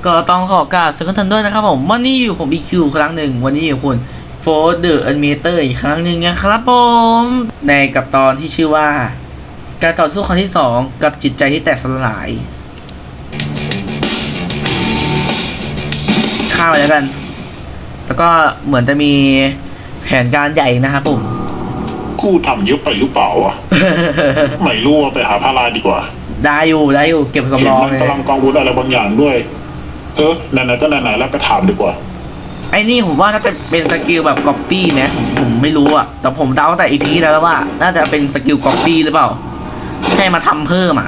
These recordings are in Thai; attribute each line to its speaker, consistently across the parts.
Speaker 1: ก็ต้องขอกราบสวัสดีท่านด้วยนะครับผมวันนี้อยู่ผม BQ ครั้งหนึ่งวันนี้อยู่คุณโฟร์เดอร์แอนิเมเตอร์อีกครั้งหนึ่งนะครับผมในกับตอนที่ชื่อว่าการต่อสู้ครั้งที่2กับจิตใจที่แตกสลายข้ามไปแล้วกันแล้วก็เหมือนจะมีแผนการใหญ่นะครับผม
Speaker 2: กูทำเยอะไปหรือเปล่าวะ ไม่รู้ไปหาพาราดีกว่า
Speaker 1: ได้อยู่เก็บสำรองเลย
Speaker 2: กำลังกังวลอะไรบางอย่างด้วยไหนๆก็ไหนๆแล้วไปถามดีกว่า
Speaker 1: ไอ้นี่ผมว่าน่าจะเป็นสกิลแบบก๊อปปี้ไหมผมไม่รู้อะแต่ผมเดาตั้งแต่ EP แล้วว่าน่าจะเป็นสกิลก๊อปปี้หรือเปล่าให้มาทำเพิ่ม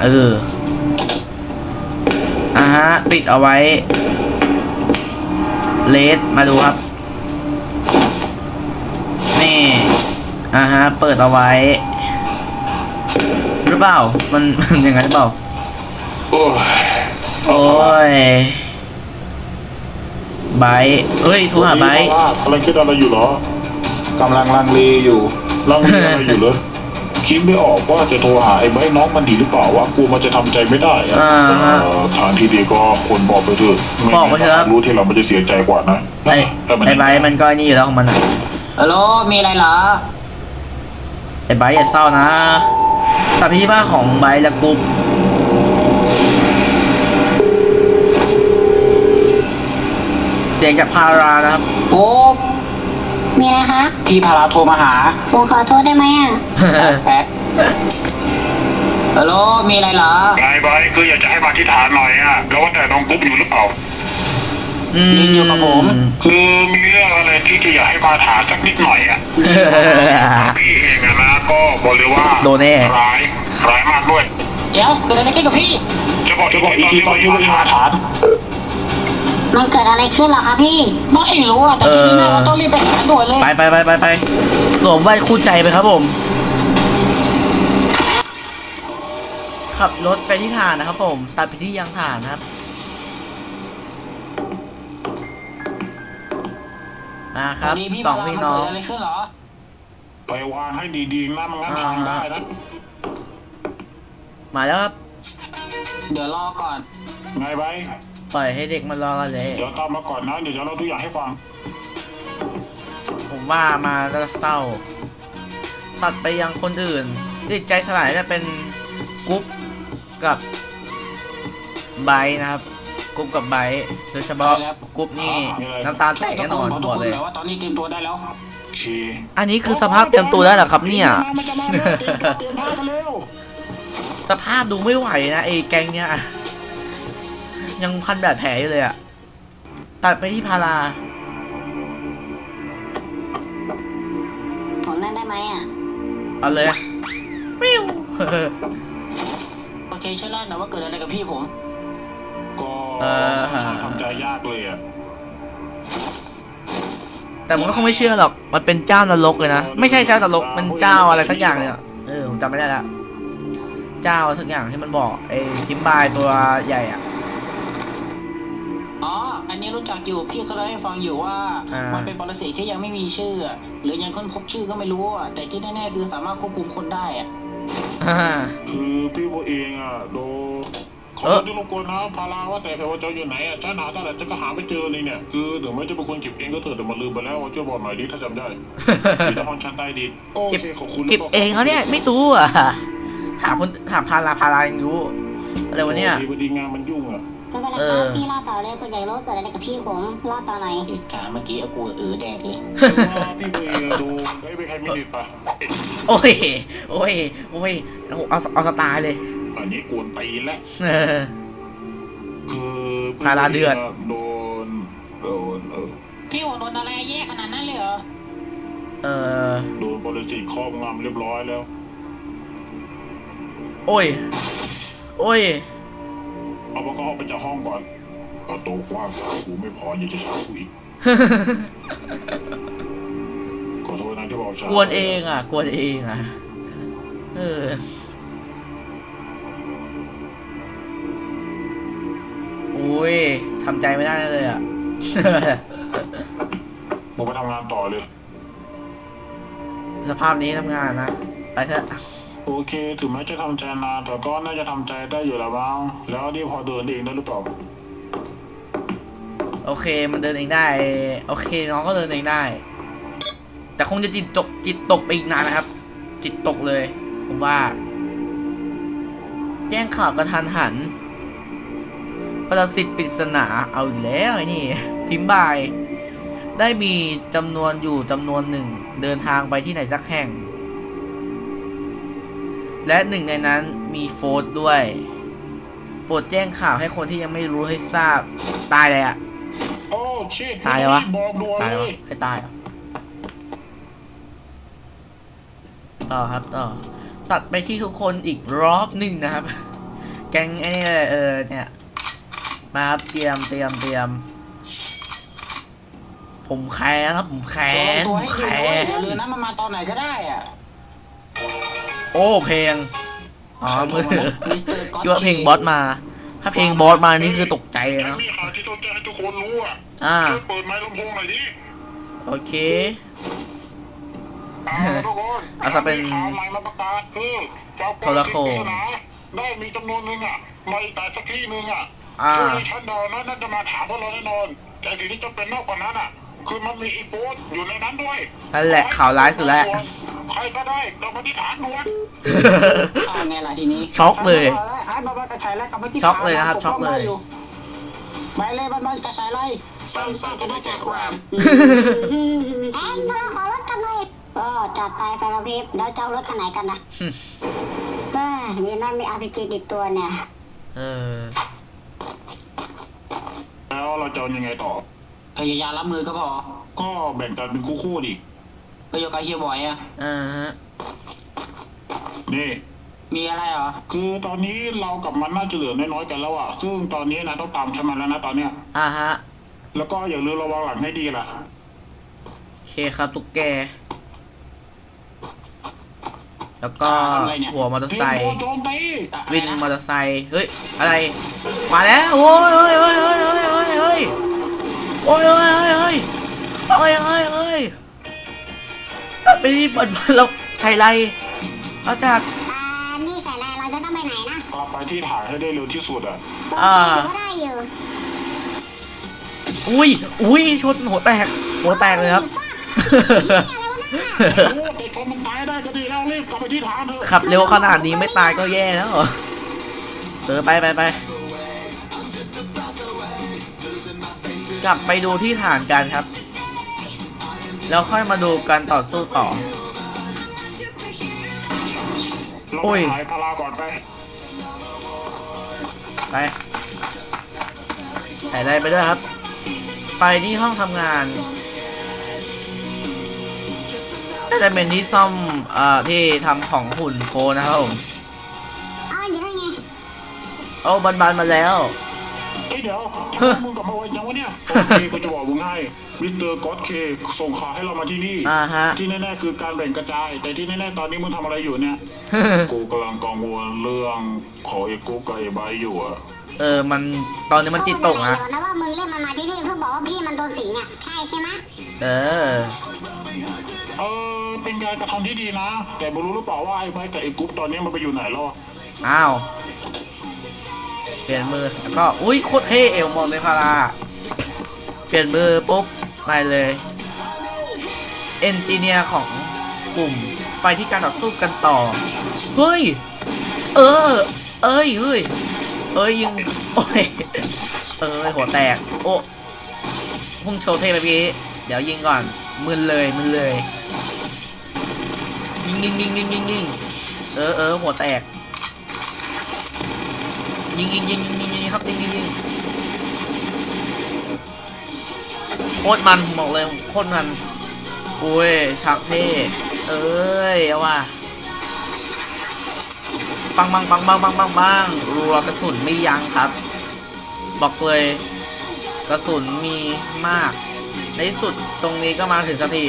Speaker 1: ฮะติดเอาไว้เลสมาดูครับนี่ฮะเปิดเอาไว้หรือเปล่ามันอย่างนั้นหรือเปล่าโอ้ยไบเอ้ยโทรหาไบ
Speaker 2: กำลังคิดอะไรอยู่เหร
Speaker 3: กำลังลังเลอยู่
Speaker 2: ลังเลอะไรอยู่เหรอคิดไม่ออกว่าจะโทรหาไอ้ไบน้องมันดีหรือเปล่าวะกูมันจะทำใจไม่ได้ทางที่ดีก็คนบอกไปเถอะ
Speaker 1: บอกไปเถอะ
Speaker 2: รู้ที่เรามันจะเสียใจกว่านะ
Speaker 1: ไอ้ไบมันก็นี่อยู่แล้วของมันอ่ะ
Speaker 4: ฮัลโหลมีอะไรเหรอ
Speaker 1: ไอ้ไบอย่าเศร้านะแต่พี่บ้าของไบและกุ๊บเสียงจากพารานะครับ
Speaker 4: ปุ๊บ
Speaker 5: มีอะไรครับ
Speaker 4: พี่พาราโทรมาหา
Speaker 5: ผมขอโทษได้ไหมอ่ะ
Speaker 4: แป๊บฮัลโหลมีอะไรเหรอ
Speaker 2: ไงไบคืออยากจะให้มาที่ฐานหน่อยแล้วว่าแต่น้องกุ๊บอยู่หรือเปล่า
Speaker 4: ยินอยู่กับผม
Speaker 2: คือมีเรื่องอะไรที่จะอยากให้มาถามสักนิดหน่อยพี่เองนะก็บอกเลยว่า
Speaker 1: โดนแน่
Speaker 2: ร้ายมากด้วย
Speaker 4: เดี๋ยวเกิดอะไรขึ้นกับพี่
Speaker 2: จะบอกอีกทีตอนที่มาถาม
Speaker 5: มันเกิดอะไรขึ้นเหรอครับพี่
Speaker 4: ไม่รู้อ่ะแต่ที่นี่เราต้องรีบไปหาด่วนเลย
Speaker 1: ไปสวมแว่นคู่ใจไปครับผมขับรถไปที่ฐานนะครับผมตัดไปที่ยางฐานนะครับครับสองพี่น้อง
Speaker 2: ไปวางให้ดีๆนะมันงั้นทำได้นะ
Speaker 1: มาแล้วครับ
Speaker 4: เดี๋ยวรอก่อน
Speaker 2: ไงไบ
Speaker 1: ปล่อยให้เด็กมันรอกันเลย
Speaker 2: เดี๋ยวตามมาก่อนนะเดี๋ยวจะเล่าทุกอย่างให้ฟัง
Speaker 1: ผมว่ามาแล้วเศร้าตัดไปยังคนอื่นจิตใจสลายจะเป็นกุ๊บกับไบนะครับกุ๊บกับไบโดยเฉพาะกุ๊บนี่น้ำตาแตกแน่นอนบอกเลย
Speaker 4: ว่าตอนนี้เตรียมตัวได้แล้ว
Speaker 1: อันนี้คือสภาพเตรียมตัวได้เหรอครับเนี่ยสภาพดูไม่ไหวนะไอ้แกงเนี่ยยังพันแบบแผลอยู่เลยอะตัดไปที่พารา
Speaker 5: ผมนั่งได้ไหมอ่ะ
Speaker 1: เอาเลยวิว
Speaker 4: โอเคช่วยเล่าหน่อยว่าเกิดอะไรกับพี่ผม
Speaker 2: ก็ทำใจยากเลยอะ
Speaker 1: แต่มันก็คงไม่เชื่อหรอกมันเป็นเจ้านรกเลยนะไม่ใช่เจ้านรกมันเจ้าอะไรทั้งอย่างเนี่ยผมจำไม่ได้ละเจ้าสักอย่างที่มันบอกไอ้พิมพ์บายตัวใหญ่อ่ะ
Speaker 4: อันนี้รู้จักอยู่พี่เขาเล่าให้ฟังอยู่ว่ามันเป็นปรสิตที่ยังไม่มีชื่อหรือยังค้นพบชื่อก็ไม่รู้แต่ที่แน่ๆคือสามารถควบคุมคนได้
Speaker 2: คือพี่โบเองโดขอที่รบกวนนะพาราว่าแต่ว่าเจ้าอยู่ไหนฉันหาตั้งแต่จะก็หาไม่เจอเลยเนี่ยคือถึงแม้จะเป็นคนเก็บเองก็เถอะแต่มาลืมไปแล้วว่าช่วยบอกหน่อยดิถ้าจำได้ที่ห้องชั้นใต้ดินโอเคขอบคุณ
Speaker 1: เก็บเองเขาเนี่ยไม่รู้ถามพารายังรู้อะไรวะเนี่ย
Speaker 2: ดีงานมันยุ่ง
Speaker 5: ไม่เป็นไรครับพี่รอดต่อเลยคุณใหญ่รู้เกิดอะไรกับพี่ผมรอดต่อไหน
Speaker 4: เหตุการณ์เมื่อกี้กูแดกเลย
Speaker 2: พี่เบย์ดูไม่เป็นใครไม่ดีป่ะ
Speaker 1: โอ้ยเอาสไตล์เลย
Speaker 2: อันนี้กวนตีแล้วคือ
Speaker 1: พาราเดือด
Speaker 2: โดน
Speaker 4: พี่โดนอะไรแย่ขนาดนั้นเลยเหรอ
Speaker 2: โดนบริษัทครอบงำเรียบร้อยแล้ว
Speaker 1: โอ้ย
Speaker 2: เอาก็ออกไปจากห้องก่อนประตูกว้างสาวกูไม่พอยังจะช้ากูอีกขอโทษนะที่บอกช้าก
Speaker 1: วนเองโอ้ยทำใจไม่ได้เลย
Speaker 2: มึงไปทำงานต่อเลย
Speaker 1: สภาพนี้ทำงานนะไปเถอะ
Speaker 2: โอเคถึงแม้จะทำใจนานแต่ก็น่าจะทำใจได้อยู่แล้วบ้างแล้วนี่พอเดินเองได้หรือเปล่า
Speaker 1: โอเคมันเดินเองได้โอเคน้องก็เดินเองได้ แต่คงจะจิตตกไปอีกนานนะครับ จิตตกเลยผมว่า แจ้งข่าวกระทันหันปรสิตปริศนาเอาอีกแล้วไอ้นี่พิมพ์บายได้มีจำนวนอยู่จำนวนหนึ่งเดินทางไปที่ไหนสักแห่ง และหนึ่งในนั้นมีโฟร์ธด้วยโปรดแจ้งข่าวให้คนที่ยังไม่รู้ให้ทราบตายเลยอะ
Speaker 2: โอ้ชิต
Speaker 1: ตายแล้ววะ
Speaker 2: บอกด่วน
Speaker 1: ตาย
Speaker 2: เล
Speaker 1: แล้ว
Speaker 2: ย
Speaker 1: ให้ตายเหรอต่อครับต่อตัดไปที่ทุกคนอีกรอบหนึ่งนะครับ แก๊งไอ้นี่เลยเนี่ยมาครับเตรียมผมแค้นครับผมแค้
Speaker 4: โชว์
Speaker 1: น
Speaker 4: ตัว
Speaker 1: ผม
Speaker 4: ให้
Speaker 1: แค้
Speaker 4: ดูด้วยเรือนนั้นมันมาตอนไหนก็ได้อ่ะ
Speaker 1: โอ้เพลงอ๋อมือถือ
Speaker 4: มิสเตอร์ก็อต
Speaker 1: คิดว่าเพลงบอสมา ถ้าเพลงบอสมานี่คือตกใจเลย
Speaker 2: ฉัน
Speaker 1: เนาะ
Speaker 2: มีข่าวที่ต้องแจ้งให้ทุกคนรู้อ่ะ ช่วยเปิดไมค์ลำโพงหน่อยดิ
Speaker 1: โอเค
Speaker 2: ทุกคน
Speaker 1: เอาซะเป็น
Speaker 2: มีข่าวใหม่มาประกาศคือเจ้า
Speaker 1: โทรโขง
Speaker 2: ได้มีจำนวนหนึ่งอ่ะมาอีกแต่สักที่หนึ่งอ่ะ
Speaker 1: อ่า
Speaker 2: ช่วยฉันเดานะน่าจะมาถามพวกเราแน่นอนแต่สิ่งที่จะเป็นนอกกว่านั้นอ่ะ คือมันมีอีโฟนอยู่ในนั้นด้วย
Speaker 1: นั่นแหละข่าวร้ายสุดแล้ว
Speaker 2: ใครก็ได้กลับมาที่ฐานด่วน
Speaker 4: เอาไงล่ะทีนี้
Speaker 1: ช็อกเลย
Speaker 4: ไอ้บอลกระชายแล้วกลับมาที่
Speaker 1: ช็อกเลยนะครับช็อกเลย
Speaker 4: ไปเลยบอลกระชายไล่
Speaker 5: สั้นๆจะได้ใจความแอนพวกเราขอรถกันหน่อยจัดไปไฟกระพริบแล้วเจ้ารถคันไหนกันนะนี่นั่นมี RPG ติดตัวเนี่ย
Speaker 1: เออ
Speaker 2: แล้วเราจะเอายังไงต่อ
Speaker 4: พยายามรับมือก็พอ
Speaker 2: ก็แบ่งกันเป็นคู่ๆดิ
Speaker 4: ก็โยกกับเฮียบอยอ่ะ
Speaker 1: ฮะ
Speaker 2: นี่
Speaker 4: มีอะไรเหรอ
Speaker 2: คือตอนนี้เรากับมันน่าจะเหลือน้อยๆกันแล้วอ่ะ ซึ่งตอนนี้นะต้องตามฉันมาแล้วนะตอนเนี้ย
Speaker 1: ฮะ
Speaker 2: แล้วก็อย่าลืมระวังหลังให้ดีล่ะ
Speaker 1: โอเคครับตุ๊กแก แล้วก็
Speaker 4: อะไรเนี่ย
Speaker 1: หัวมอเตอร์ไซ
Speaker 2: เตรียม
Speaker 1: ค์
Speaker 2: ตัวโจมตี
Speaker 1: วินมอเตอร์ไซค์เฮ้ยอะไรมาแล้วโอ้ยโอ้ยโอ้ยโอ้ยโอ้ยโอ้ยโอ้ยโอ้ยโอ้ยโอ้ยโอ้ยโอ้ยโอ้ยโอ้ยตัดไปที่บอลเราใช้ไรเอาจาก
Speaker 5: นี่ใส่อะไรเราจะต้องไปไหนนะ
Speaker 2: กลับไปที่ฐานให้ได้เร็วที่สุดอ่ะ
Speaker 5: ถือว่าได้อยู่
Speaker 1: อุ้ยชนหัวแตกเลยครับ
Speaker 2: โอ้แต่ชนมันตายได้ก็ดีแล้วรีบกลับไปที่ฐานเถอะ
Speaker 1: ขับเร็วขนาดนี้ไม่ตายก็แย่แล้วไปกลับไปดูที่ฐานกันครับ แล้วค่อยมาดูการต่อสู้ต่อ
Speaker 2: เรา
Speaker 1: โอ้
Speaker 2: ไป
Speaker 1: ย
Speaker 2: หายพาราก่อนไป
Speaker 1: ไปใส่อะไรไปด้วยครับ ไปที่ห้องทำงานน่าจะเป็นที่ซ่อมที่ทำของหุ่นโฟนะครับผม
Speaker 5: อยู่ได้ไง
Speaker 1: โอ้บันมาแล้ว
Speaker 2: เฮ้ยเดี๋ยวทำไมมึงกลับมาไวจังวะเนี่ยโอเคกูจะบอกมึงให้มิสเตอร์ก็อตเคส่งข่าวให้เรามาที่นี่
Speaker 1: ฮะ
Speaker 2: ที่แน่ๆคือการแบ่งกระจาย แต่ที่แน่ๆตอนนี้มึงทำอะไรอยู่เนี่ย กูกำลังกังวลเรื่องของไอ้กุ๊กกับไอ้ไบร์ทอยู่อะ
Speaker 1: มันตอนนี้มันจิตตกนะ
Speaker 5: เดี๋ยวนะว่ามึงเล่นมันมาที่นี่เพื่อบอกว่าพี่มันโดนสิงอ่ะใช่ไหม
Speaker 2: เป็นการกระทำที่ดีนะ แต่ไม่รู้หรือเปล่าว่าไอ้ไบร์ทกับไอ้กุ๊กตอนนี้มันไปอยู่ไหนแล้วอะ
Speaker 1: อ้าวเปลี่ยนมือแล้วก็อุ้ยโคตรเท่เอวมอนเลยพาราเปลี่ยนมือปุ๊บไปเลยเอนจิเนียร์ของกลุ่มไปที่การต่อสู้กันต่อเฮ้ยเอ้ยยิงโอ้ยหัวแตกโอ้พุ่งโชว์เท่ไปพี่เดี๋ยวยิงก่อนมึนเลยยิงหัวแตกยิงครับยิงโคตรมันบอกเลยโคตรมันโอ้ยฉากเท่เอาว่ะปังรัวกระสุนไม่ยั้งครับบอกเลยกระสุนมีมากในที่สุดตรงนี้ก็มาถึงสักที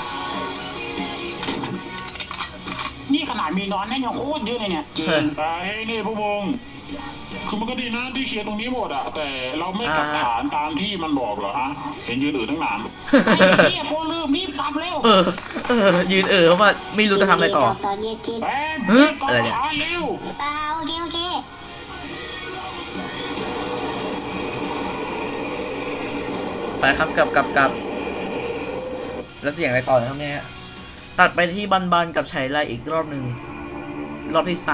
Speaker 4: นี่ขนาดมีนอนนั่นยังโคตรเยอะเลยเนี่ยจริง
Speaker 2: แต่เฮ้ยนี่พวกมึงคือมันก็ดีนะที่เคลียร์ตรงนี้หมดอะแต่เราไม่กลับฐานตามที่มันบอกเหรอฮะเห็นยืนอื่นทั้งนาน
Speaker 4: ไอ้เฮียโคลืมรีบกลับเร็ว
Speaker 1: ยืนเพราะว่าไม่รู้จะทำอะไรต่อ
Speaker 5: ตอนเย็นกิน
Speaker 2: แป๊บ
Speaker 1: เฮ้ย
Speaker 2: ก่อน
Speaker 1: อะไรเนี่ย
Speaker 2: ฐานเร็ว
Speaker 5: โอเค
Speaker 1: ไปครับกลับแล้วเสียงอะไรต่อครับเนี่ยตัดไปที่บันกับชัยไลอีกรอบหนึ่งรอบที่3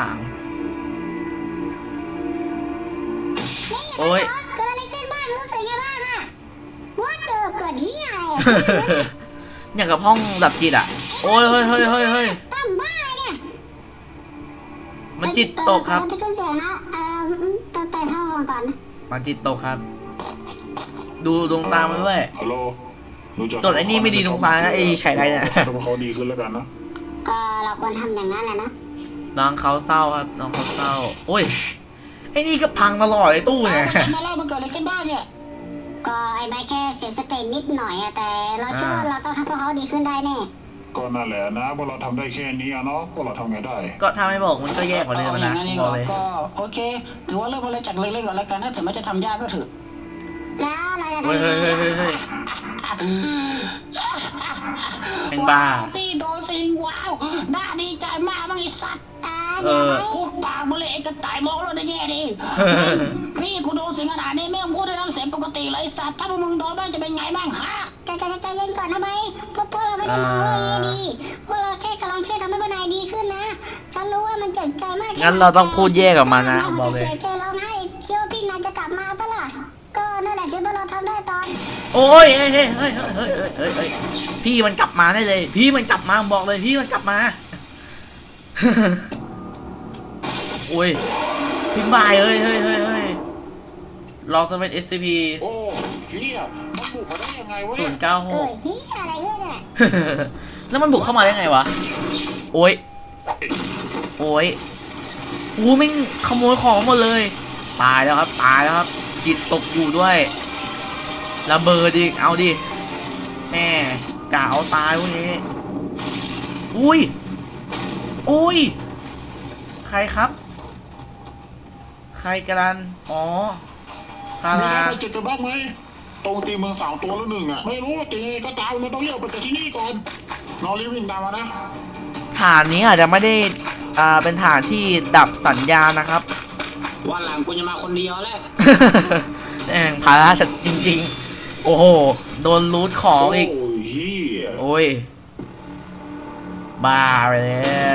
Speaker 1: โอ้ย
Speaker 5: เกิดอะไรขึ้นบ้างรู้สึกไงบ้างอะว่าเกิดเหี้ยอะไรอะ
Speaker 1: อย่างกับห้องดับจิตอ่ะโอ้ยเฮ้ย
Speaker 5: ตั้มบ้าเนี่ย
Speaker 1: มันจิตตกครับ
Speaker 5: จะขึ้นเสียงนะไปห้องก่อนนะ
Speaker 1: มันจิตตกครับ ดูดวงตามันด้วย
Speaker 2: ฮัลโหลรู้จัก
Speaker 1: ส่วนไอ้นี่ไม่ดีดวงตานะไอ้ชัยไลเนี่ย
Speaker 2: ทำให้เขาดีขึ้นแล้วกันนะ
Speaker 5: ก็เราควรทำอย่างนั้นแหละนะ
Speaker 1: น้องเขาเศร้าครับน้องเขาเศร้าโอ้ยไอ้นี่ก็พังตลอดไอ้ตู้เนี่ย
Speaker 4: มาเล่ามันเกิดอะไรขึ้นบ้างเนี่ย
Speaker 5: ก็ไอ้ใบแค่เสียสตินิดหน่อยอะแต่เราเชื่อว่าเราต้องทำให้เขาดีขึ้นได้แน่
Speaker 2: ก็นั่นแหละนะพวกเราทำได้แค่นี้อะเนาะพวกเราทำไงได้
Speaker 1: ก็ถ้าไม่บอกมันก็แย่กว่าเดิม
Speaker 4: อ
Speaker 1: นะ
Speaker 4: ย่างนั้นเอง
Speaker 1: บอกเลย
Speaker 4: ก็โอเค ถือว่าเริ่มอะไรจากเล็กๆก่อนแล้วกันถ้าถึงแม้จะทำยากก็เถอะ
Speaker 5: แล้วเราจะทำ
Speaker 1: เฮ้ย
Speaker 5: ยังไง
Speaker 1: เฮ้ยแองบ้า
Speaker 4: พี่โดนสิงว้าวน่าดีใจมากบ้างไอ้สัตว์
Speaker 1: เออ
Speaker 4: พูดปากมาเลยไอ้กระต่ายมองเราได้แย่ดิพี่กูโดนสิงขนาดนี้ไม่ต้องพูดได้น้ำเสียงปกติเลยไอ้สัตว์ถ้าพวกมึงโดนบ้างจะเป็นไงบ้างฮะ
Speaker 5: ใจเย็นก่อนนะใบพวกเราไม่ได้มองว่าอย่างนี้ดีพวกเราแค่กำลังช่วยทำให้พวกนายดีขึ้นนะฉันรู้ว่ามันเจ็บใจมาก
Speaker 1: งั้นเราต้องพูดแย่กับมันนะบอกเลย
Speaker 5: เสียใจร้องไห้เชื่อว่าพี่นายจะกลับมาปะล่ะก็นั่นแหละที่พวกเราทำได้ตอน
Speaker 1: โอ้ยเฮ้ยพี่มันกลับมาได้เลย พี่มันกลับมาบอกเลยพี่มันกลับมา โอ้ยพิมพ์บายเฮ้ยลองสเปน SCP
Speaker 2: โอ้เฮียมันบุกมาได้ยังไงวะ
Speaker 1: ศู
Speaker 2: เนี่ย
Speaker 1: นย์เก้าหก
Speaker 5: เฮียอะไรเนี่ย
Speaker 1: แล้วมันบุกเข้ามาได้ไงวะ โอ้ยอู้แม่งขโมยของหมดเลย ตายแล้วครับ จิตตกอยู่ด้วยระเบิดอีกเอาดิแม่กะเอาตายพวกนี้ อุ้ย ใครครับ ใครกันอ๋อพา
Speaker 2: มี
Speaker 1: รา
Speaker 2: อะไรเจ็บกันบ้างไหมตรงตีเมือง3 ตัวแล้ว1อ่ะไม่รู้ตีก็ตามเราต้องเรียกไปจากที่นี่ก่อนน้องรีบวิ่งตามมานะ
Speaker 1: ฐานนี้อาจจะไม่ได้เป็นฐานที่ดับสัญญาณนะครับ
Speaker 4: วันหลังกูจะมาคนเดียวแหละ
Speaker 1: แม่งภาระฉันจริงๆ โอ้โห โดนรูทของอีก
Speaker 2: โอ้ยเฮีย
Speaker 1: โอ้ย บ้าไปแล้ว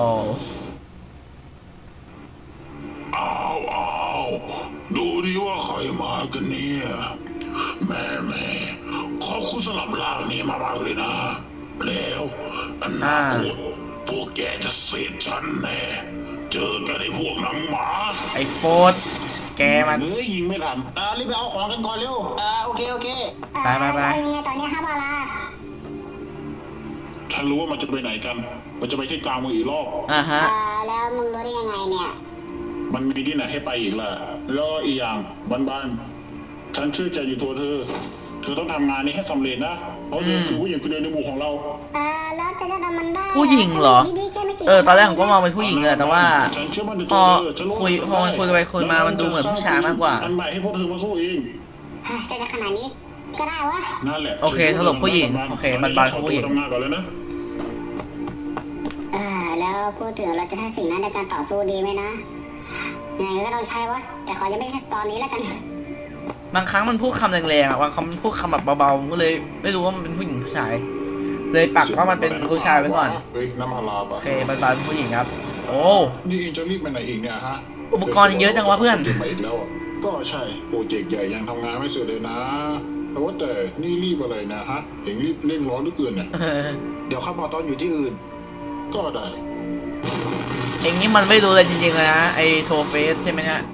Speaker 2: อ้าวดูดิว่าใครมากันเนี่ยแม่ขอบคุณสำหรับร่างนี้มากๆเลยนะแล้วอนาคตพวกแกจะเสร็จฉันแน่เจอกันไอ้พวกหนังหมา
Speaker 1: ไอ้โฟดแกมัน
Speaker 2: เฮ้ยยิงไม่ทัน
Speaker 4: รีบไปเอาของกันก่อนเร็วโอเค
Speaker 1: ไป
Speaker 5: จะยังไงตอนนี้ครับบาลา
Speaker 2: ฉันรู้ว่ามันจะไปไหนกัน มันจะไปที่กลางเมืองอีกรอบ
Speaker 1: อ่าฮะ
Speaker 5: แล้วมึงรู้ได้ยังไงเนี่ย
Speaker 2: มันมีที่ไหนให้ไปอีกล่ะ แล้วอีกอย่างบ้านๆฉันเชื่อใจอยู่ตัวเธอต้องทำงานนี้ให้สำเร็จนะ เพราะเธอคือผู้หญิงคนเดียวในหมู่ของเรา
Speaker 5: แล้วจะทำมันได้
Speaker 1: ผู้หญิงเหรอ ตอนแรกผมก็มองเป็นผู้หญิงเลยแต่ว่า
Speaker 2: ฉันเชื่อมั่นใน
Speaker 1: พ
Speaker 2: ตั
Speaker 1: อ
Speaker 2: วเธอฉันรู้
Speaker 1: พอมันคุยไปคุยมามันดูเหมือนผู้ชายมากกว่า
Speaker 2: อันใหม่ให้พวกเธอมาสู้เอง
Speaker 5: จะขนาดนี้ก็ได้วะ
Speaker 2: นั่นแหละ
Speaker 1: โอเคสรุปผู้หญิงโอเคบ้านๆผู้หญิง
Speaker 2: ทำงานก่อนเลยนะ
Speaker 5: แล้วพูดถึงเราจะใช้สิ่งนั้นในการต่อสู้ดีไหมนะยังไงก็ต้องใช้วะแต่ขอยังไม่ใช่ตอนนี้แล้วกัน
Speaker 1: บางครั้งมันพูดคำแรงๆอ่ะบางคำมันพูดคำแบบเบาๆผมก็เลยไม่รู้ว่ามันเป็นผู้หญิงผู้ชาย เลยปักว่ามันเป็นผู้ชายไว้ก่อน
Speaker 2: เฮ้ยน้ำพารา
Speaker 1: โอ
Speaker 2: ปะ
Speaker 1: เคบ้านๆผู้หญิงครับ โอ้
Speaker 2: นี่เองจะรีบไปไหนอีกเนี่ยฮะ
Speaker 1: อุปกรณ์เยอะจังวะเพื่อน
Speaker 2: เก็บมาอีกแล้วอะก็ใช่โปรเจกต์ใหญ่ยังทำงานไม่เสร็จเลยนะแต่ว่าแต่นี่รีบอะไรนะฮะเองรีบเร่งร้อนเหลือเกินเนี่ยเดี๋ยวข้าพอตอนอยู่ที่อื่น ก็ได้
Speaker 1: เองนี่มันไม่รู้เลยจริงๆเลยนะไอโทเฟสใช่ไหมเนี่ย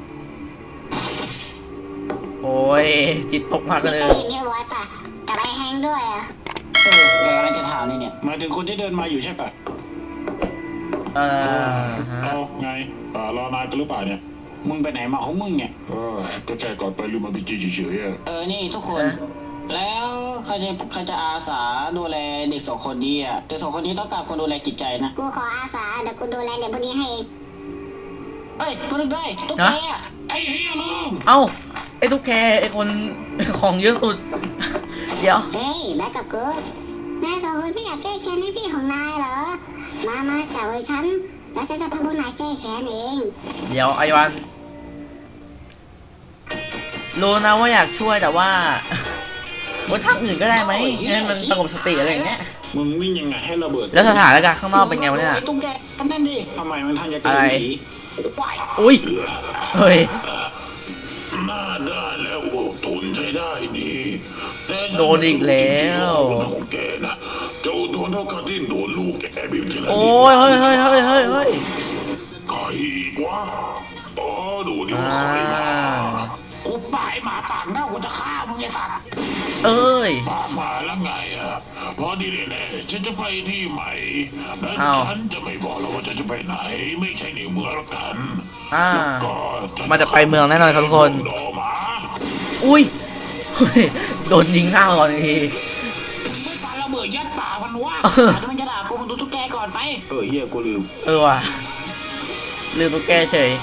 Speaker 1: โอ้ยจิตตกมากเลย
Speaker 5: เห็นที่ไว้ปะกับไอ้แฮงด้วยอ่ะ
Speaker 4: แกกำลังจะถามนี่เนี่ยหมายถึงคนที่เดินมาอยู่ใช่ปะ
Speaker 1: ฮะ
Speaker 2: เอาไงรอนานกันหรือเปล่าเนี่ย
Speaker 4: มึงไปไหนมาของมึงเนี่ย
Speaker 2: ก็แค่ก่อนไปลืมมาบีจีเฉยๆอะ
Speaker 4: นี่ทุกคน แล้วใครจะอาสาดูแลเด็ก2 คนนี้อ่ะเด็ก2 คนนี้ต้องการคนดูแลจิตใจนะ
Speaker 5: กูขออาสาเดี๋ยวกูดูแลเด็กพวกนี้ให้เอง
Speaker 4: เอ้ยกูนึกได้ตุ๊กแกอะ
Speaker 2: ไอ้เฮียลืม
Speaker 1: เอ้าไอตุ๊กแกไอคน ของเยอะสุด เดี๋ยว
Speaker 5: เฮ้ยแบ็กกับกูนาย2 คนไม่อยากแก้แค้นให้พี่ของนายเหรอมาจับไว้ฉันแล้วฉันจะพาพวกนายแก้แค้นเอง
Speaker 1: เดี๋ยวไอวันรู้นะว่าอยากช่วยแต่ว่าว่าทางอื่นก็ได้ไหมให้มันสงบสติอะไรอย่างเงี้ย
Speaker 2: มึงวิ่งยังไงให้ระเบิด
Speaker 1: แล้วสถานการณ์ข้างนอกเป็นไงวะเนี่ย
Speaker 4: ไอ้ตุ้งแกกันนั่นดิ
Speaker 2: ทำไมมันทางจะเกิ
Speaker 1: อะไร
Speaker 2: ผี
Speaker 4: ควาย
Speaker 1: อุ้ยเฮ้ย
Speaker 2: หน้าได้แล้วอดทนใช้ได้ดีแต่
Speaker 1: โดนอีกแล้ว
Speaker 2: ของแกนะเจ้าโดนเท่ากับที่โดนลูกแกบีบทีละนิด
Speaker 1: โอ้ยเฮ้ยเฮ้ยเฮ้ยเฮ้ยเฮ้ย
Speaker 2: ใครอีกวะอ๋อดูดิว่าใครมา
Speaker 4: กูปลายหมาปากเน่ากูจะฆ่ามึงไอ้สัตว์
Speaker 1: เอ้ย
Speaker 2: มาแล้วไงอ่ะพอดีเลยแหละฉันจะไปที่ใหม่และ
Speaker 1: อ้าว
Speaker 2: ฉันจะไม่บอกแล้วว่าฉันจะไปไหน ไม่ใช่ในเมืองละกัน
Speaker 1: อ่า
Speaker 2: แล้วก็
Speaker 1: มันจะไปเมืองแน่นอนครับทุกคน
Speaker 2: ดอหมา
Speaker 1: อุ้ยเฮ้ยโดนยิงหน้าก่อนที
Speaker 4: ไม่ปาระเบิดยัดป่ามันวะอาจจะมันจะด่ากูมึงดูตุ๊กแกก่อนไป
Speaker 2: เฮียกูลืม
Speaker 1: ว่ะลืมตุ๊กแกเฉย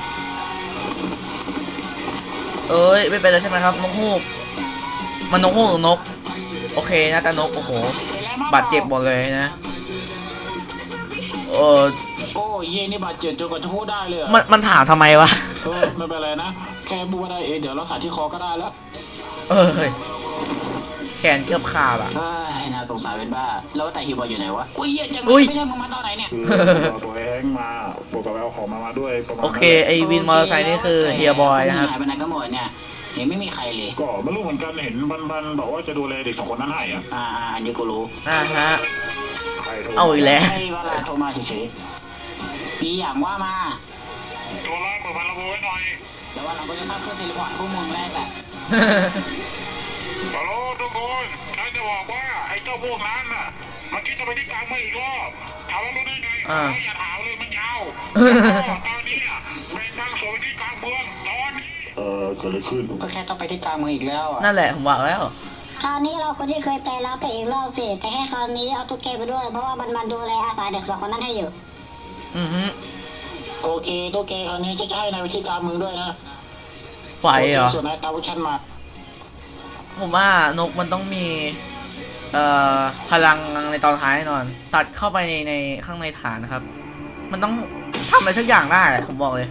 Speaker 1: เอ้ยไม่เป็นไรใช่ไหมครับนกฮูกมันนกฮูกหรือนกโอเคน่าจะนกโอ้โหบาดเจ็บหมดเลยนะเออ
Speaker 4: โอ้ยเย่นี่บาดเจ็บจนกว่าจะพูดได้เลยอะ
Speaker 1: มันถามทำไมวะ
Speaker 4: ไม่เป็นไรนะ แค่พูดได้เองเดี๋ยวรักษาที่คอก็ได้แล้ว
Speaker 1: เออเฮ้ยแขนเกือบขาดอ่ะ
Speaker 4: เฮ้ยน่าสงสารเป็นบ้า แล้วแต่ฮิวบอยอยู่ไหนวะอุ้ยเหี้ยจัง
Speaker 1: อุ้ย
Speaker 4: ไม่ใช่มึงมาตอนไหนเนี่ย
Speaker 2: คือตัวเองมาปกติเอาของมาด้วยประมาณ
Speaker 1: โอเคไอวินมอเตอร์ไซค์นี่คือเฮียบอยนะครับ
Speaker 4: หายไปไหนก็หมดเนี่ยเห็นไม่มีใครเลย
Speaker 2: ก็ไม่รู้เหมือนกันเห็นบันบอกว่าจะดูแลเด็กสองคนนั้นให้อ่ะ
Speaker 4: อันนี้กูรู้
Speaker 1: ฮะ
Speaker 2: ใครโทร
Speaker 1: เอาอีกแล้ว
Speaker 4: ให้เวลาโทรมาเฉยๆมีอย่างว่ามา
Speaker 2: ตัวร้ายเปิดมันระเบิดหน่อย
Speaker 4: แล้วว่าเราก็จะสร้างเครื่องเทเลพอร์ตพวกมึงแรกแหละ
Speaker 2: ฮัลโหลทุกคนฉันจะบอกว่าไอ้เจ้าพวกนั้นน่ะมันคิดจะไปที่กลางเมืองอีกรอบถามว่ารู้ได้ไงอย่าถามเลยมันยาวตอนนี้แบ่งทางสวนที่กลางเมืองตอนนี้เกิดอะไรขึ้น
Speaker 4: ก็แค่ต้องไปที่กลางเมืองอีกแล้วอ่ะ
Speaker 1: นั่นแหละผมบอกแล้ว
Speaker 5: คราวนี้เราคนที่เคยไปแล้วไปอีกรอบสิแต่แค่คราวนี้เอาตุ๊กแกไปด้วย เพราะว่ามันมาดูแลอาสาเด็กสองคนนั้นให้อยู่
Speaker 1: อือฮึ
Speaker 4: โอเคตัวแกคราวนี้จะให้นายไปที่กลางเมืองด้วยนะ
Speaker 1: ไหวเหรอ
Speaker 4: ส่วนนายตามพวกฉันมา
Speaker 1: ผมว่านกมันต้องมีพลังในตอนท้ายแน่นอน ตัดเข้าไปในข้างในฐานนะครับ มันต้องทำอะไรทุกอย่างได้อะผมบอกเลย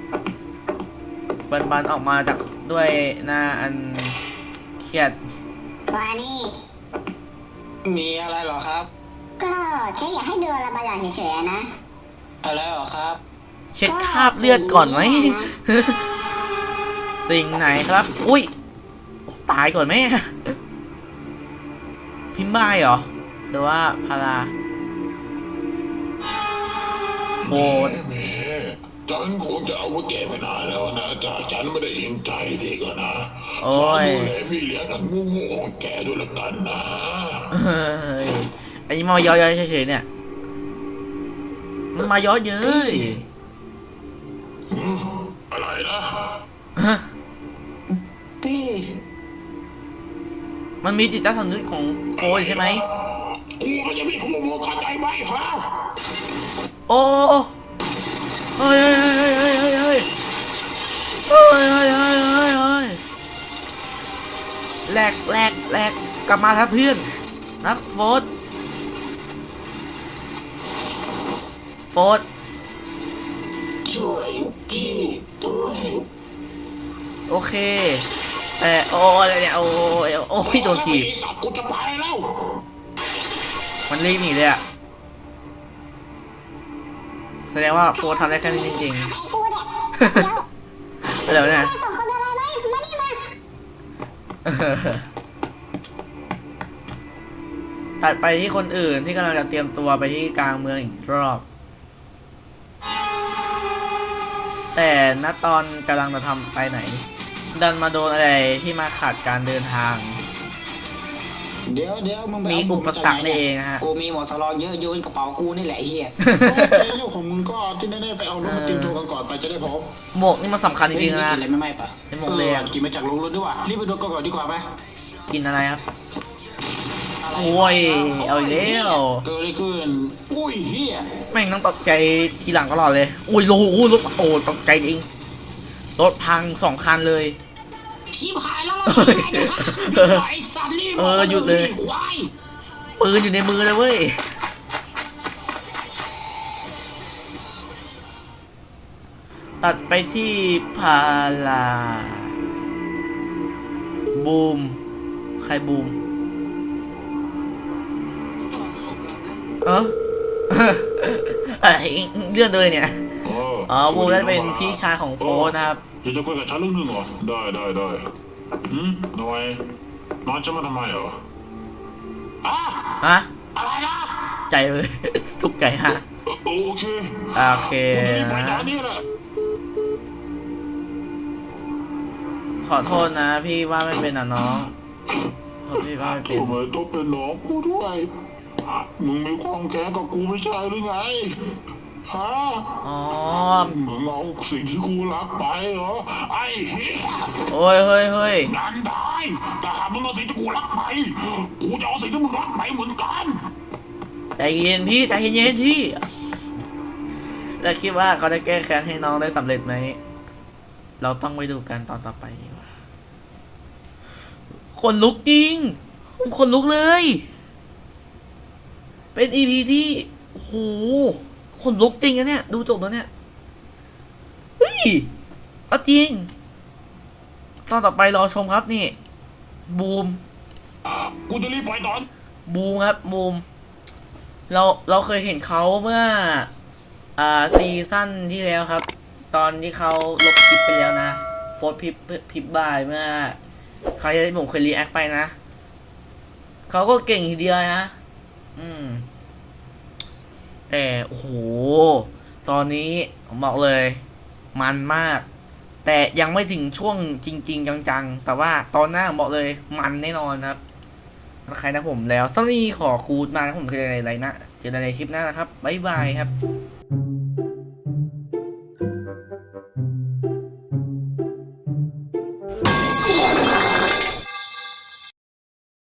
Speaker 1: บันออกมาจากด้วยหน้าอันเครียด
Speaker 5: ว่านี่
Speaker 4: มีอะไรเหรอครับ
Speaker 5: ก็แค่อยากให้ดูอะไรบางอย่างเฉยๆนะ
Speaker 4: อะไรเหรอครับ
Speaker 1: เช็คคราบเลือดก่อนไหม สิ่งไหนครับ อุ้ยตายก่อนไหม พิมพ์บายเหรอ หรือว่าพาราโฟน
Speaker 2: แม่ฉันคงจะเอาพวกแกไปนานแล้วนะแต่ฉันไม่ได้เห็นใจเด็กอะนะ
Speaker 1: โอ้
Speaker 2: ฝาก
Speaker 1: ย
Speaker 2: ดูแลพี่เลี้ยงกันงูๆของแกด้วยละกันนะ
Speaker 1: เฮ้ยอันนี้มาย้อยๆเฉยๆเนี่ย มันมาย้อยเย้ย
Speaker 2: อะไรนะ
Speaker 1: ฮะ
Speaker 4: พี่
Speaker 1: มันมีจิตใต้สำนึกของโฟนใช่ไหม
Speaker 2: กูก็จะมีขโมยเข้าใจไหมฮะ
Speaker 1: โอ้เฮ้ยเฮ้ยเฮ้ยเฮ้ยเฮ้ยเฮ้ยเฮ้ยเฮ้ยเฮ้ยเฮ้ยแหลกกลับมาครับเพื่อนนะโฟน
Speaker 2: ช่วยพี่ด้วย
Speaker 1: โอเคแต่โอ้ยเนี่ยโอ้ยโดนถีบ
Speaker 2: ไอ้สัตว์กูจะไปแล้ว
Speaker 1: มันรีบหนีเลยอะแสดงว่าโฟนทำได้แค่นี้จริง
Speaker 5: ไอ้กูเนี่ย
Speaker 1: ๆแล้วเนี่ย
Speaker 5: สองคนอะไรไหมมานี่มา
Speaker 1: ตัดไปที่คนอื่นที่กำลังจะเตรียมตัวไปที่กลางเมืองอีกรอบ แต่ณตอนกำลังจะทำไปไหน ดันมาโดนอะไรที่มาขัดการเดินทาง
Speaker 4: เดี๋ยวมึงไป
Speaker 1: มี
Speaker 4: เอา
Speaker 1: อุปสรรคนี่เองนะฮะ
Speaker 4: กูมีหมวกสลองเยอะโยนกระเป๋ากูนี่แหละไอ้เฮีย
Speaker 2: เรื่องของมึงก็ที่แน่ๆไปเอารถมาเตรียมตัวกันก่อนไปจะได้พร้อม
Speaker 1: หมวกนี่มันสำคัญจริงๆ
Speaker 4: เฮ้ย
Speaker 1: นะ
Speaker 4: กินอะไรไม่ไหม้ปะ
Speaker 1: เป็นหมวกเลยอะ
Speaker 4: กินมาจากโรงรถด้วยว่ะรีบไปดูก่อนดีกว่าไหม
Speaker 1: กินอะไรครับ
Speaker 4: อะไร
Speaker 1: โอ้ยเอาอีกแล้ว
Speaker 4: เกิดอะไรขึ้นอุ้ยเฮีย
Speaker 1: แม่งต้องตกใจทีหลังตลอดเลยโอ้ยโอ้โหรถโอ้ตกใจจริง รถพัง2 คันเลย
Speaker 4: ชิบหายแล้วเราทำยังไงดีคะหยุดหน่อยไอ้สัตว์รีบ
Speaker 1: หยุดเลย
Speaker 4: ควาย
Speaker 1: ปืนอยู่ในมือเลยเว้ย ตัดไปที่พาราบูม ใครบูมเออ เลื่อนเลยเนี่ย อ๋อบูมได้เป็นพี่ชายของโฟร์นะครับ
Speaker 2: อยากจะคุยกับฉันเรื่องหนึงเหรอได้ทำไมน้องจะมาทำไมเหรออ่ะ
Speaker 1: ฮะ
Speaker 2: อะไรนะ
Speaker 1: ใจเลย ทุกข์ใจฮะ
Speaker 2: โอเค
Speaker 1: โอเค
Speaker 2: กูจะรีบไปตอ
Speaker 1: นะ
Speaker 2: นนี้แหละ
Speaker 1: ขอโทษนะ พี่ว่าไม่เป็นอ่ะน้องขอพี่ว่าไม่เป็น
Speaker 2: ทำไมต้องเป็นน้องกูด้วยมึงมีความแค้นกับกูไม่ใช่หรือไงฮะ
Speaker 1: อ๋อ
Speaker 2: มึงเอาสิ่งที่กูรักไปเหรอไอ้เหี้ย
Speaker 1: โอ้ยเฮ้ย
Speaker 2: นั่นได้แต่หากมึงเอาสิ่งที่กูรักไปกูจะเอาสิ่งที่มึงรักไปเหมือนกัน
Speaker 1: ใจเย็นพี่ใจเย็นพี่ แล้วคิดว่าเขาได้แก้แค้นให้น้องได้สำเร็จไหม เราต้องไปดูกันตอนต่อไปดีกว่าคนลุกจริงคนลุกเลย เป็นอีพีที่โอ้โหคนลุกจริงนะเนี่ย ดูจบแล้วเนี่ย เฮ้ยเอาจริง ตอนต่อไปรอชมครับนี่ บูม
Speaker 2: กูจะรีบไปตอน
Speaker 1: บูมครับบูมเราเคยเห็นเขาเมื่อซีซั่นที่แล้วครับ ตอนที่เขาลบคลิปไปแล้วนะโฟร์พิบบายเมื่อครั้งที่ผมเคยรีแอคไปนะเขาก็เก่งทีเดียวนะแต่โอ้โหตอนนี้ผมบอกเลยมันมาก แต่ยังไม่ถึงช่วงจริงๆจังๆแต่ว่าตอนหน้าผมบอกเลยมันแน่นอนครับใครนะผมแล้วสวัสดีขอคูดมานะผมเจอในไรนะเจอในคลิปหน้านะครับบ๊ายบายครับ